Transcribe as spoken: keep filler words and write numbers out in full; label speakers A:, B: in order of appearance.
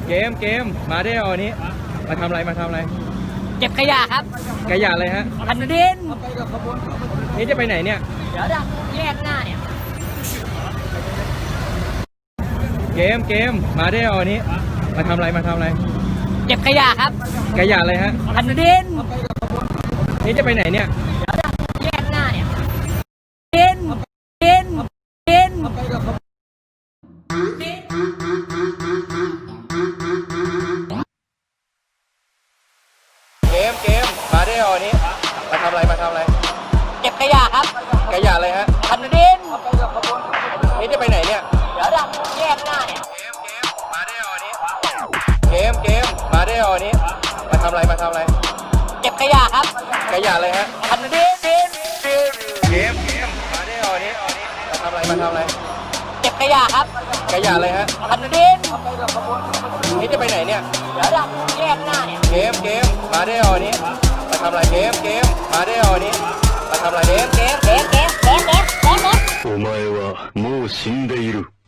A: เกมเกมมาได้เอาอันนี้มาทำอะไรมาทำอะไร
B: เก็บขยะครับ
A: ขยะอะไรฮะ
B: พันดิน
A: นี่จะไปไหนเนี่ย
B: เดี๋ยวจะแยกหน้าเนี่ย
A: เกมเกมมาได้เอาอันนี้มาทำอะไรมาทำอะไร
B: เก็บขยะครับ
A: ขยะอะไรฮะ
B: พันดิน
A: นี่จะไปไหนเนี่ย
B: เดี๋ยวจะแยกหน้าเนี่ยดินดินดิน
A: เกมเกมมาได้เอาอันนี้มาทำอะไรมาทำอะไร
B: เก็บขยะครับ
A: ขยะอะไรฮะ
B: พันดิน
A: นี่จะไปไหนเนี่ย
B: เดี๋ยวจะแยกหน้าเนี่ย
A: เกมเกมมาได้เอาอันนี้เกมเกมมาได้เอาอันนี้มาทำอะไรมาทำอะไร
B: เก็บขยะครับ
A: ขยะอะไรฮะ
B: พันดินดิน
A: เกมเกมมาได้เอาอันนี้มาทำอะไรมาทำอะไร
B: เก็บขยะครับ
A: ขยะอะไรฮะ
B: พันดิน
A: นี่จะไปไหนเนี่ย
B: เดี๋ยวจะแยกหน้าเนี่ย
A: เกมเกมมาได้เอาอันนี้มาทำอะไรเกมเกมมาได้เอาอันนี้มาทำอะไรเกมเกม
B: เกมเกมเกมเกมเกม
C: お前はもう死んでいる。